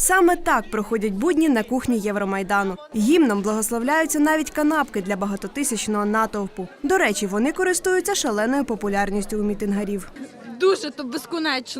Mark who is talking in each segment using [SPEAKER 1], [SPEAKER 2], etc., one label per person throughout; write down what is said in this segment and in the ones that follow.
[SPEAKER 1] Саме так проходять будні на кухні Євромайдану. Гімном благословляються навіть канапки для багатотисячного натовпу. До речі, вони користуються шаленою популярністю у мітингарів.
[SPEAKER 2] Дуже, то безконечно.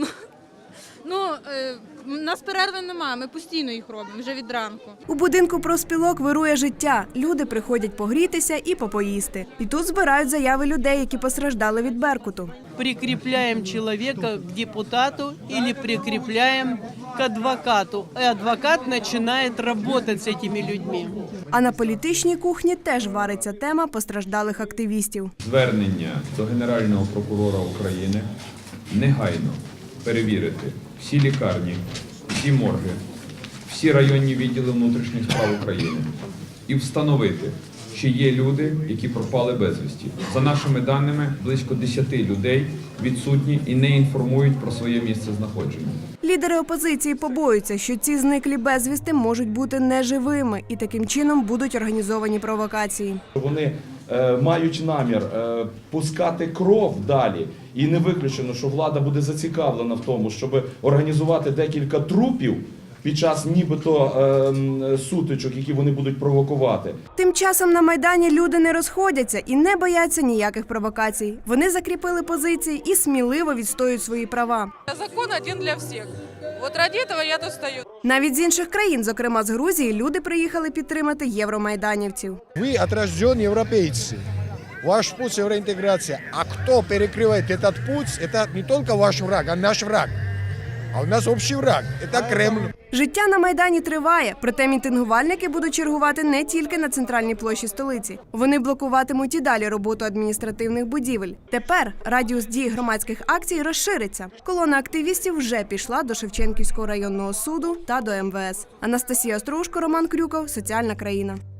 [SPEAKER 2] У нас перерви немає, ми постійно їх робимо, вже від ранку.
[SPEAKER 1] У будинку профспілок вирує життя. Люди приходять погрітися і попоїсти. І тут збирають заяви людей, які постраждали від Беркуту.
[SPEAKER 3] Прикрепляем человека к депутату или прикрепляем к адвокату. И адвокат начинает работать с этими людьми.
[SPEAKER 1] А на політичній кухні теж вариться тема постраждалих активістів.
[SPEAKER 4] Звернення до Генерального прокурора України негайно перевірити всі лікарні, всі морги, всі районні відділи внутрішніх справ України і встановити, чи є люди, які пропали безвісті. За нашими даними, близько 10 людей відсутні і не інформують про своє місце знаходження.
[SPEAKER 1] Лідери опозиції побоюються, що ці зниклі безвісти можуть бути неживими і таким чином будуть організовані провокації.
[SPEAKER 5] Вони мають намір пускати кров далі. І не виключено, що влада буде зацікавлена в тому, щоб організувати декілька трупів під час нібито сутичок, які вони будуть провокувати.
[SPEAKER 1] Тим часом на Майдані люди не розходяться і не бояться ніяких провокацій. Вони закріпили позиції і сміливо відстоюють свої права.
[SPEAKER 6] Закон один для всіх. От ради цього я тут стою.
[SPEAKER 1] Навіть з інших країн, зокрема з Грузії, люди приїхали підтримати євромайданівців.
[SPEAKER 7] Ви отрождені європейці. Ваш путь – євроінтеграція. А хто перекриває цей путь – це не тільки ваш враг, а наш враг. А у нас общий враг – це Кремль.
[SPEAKER 1] Життя на Майдані триває, проте мітингувальники будуть чергувати не тільки на центральній площі столиці. Вони блокуватимуть і далі роботу адміністративних будівель. Тепер радіус дії громадських акцій розшириться. Колона активістів вже пішла до Шевченківського районного суду та до МВС. Анастасія Острушко, Роман Крюков, Соціальна країна.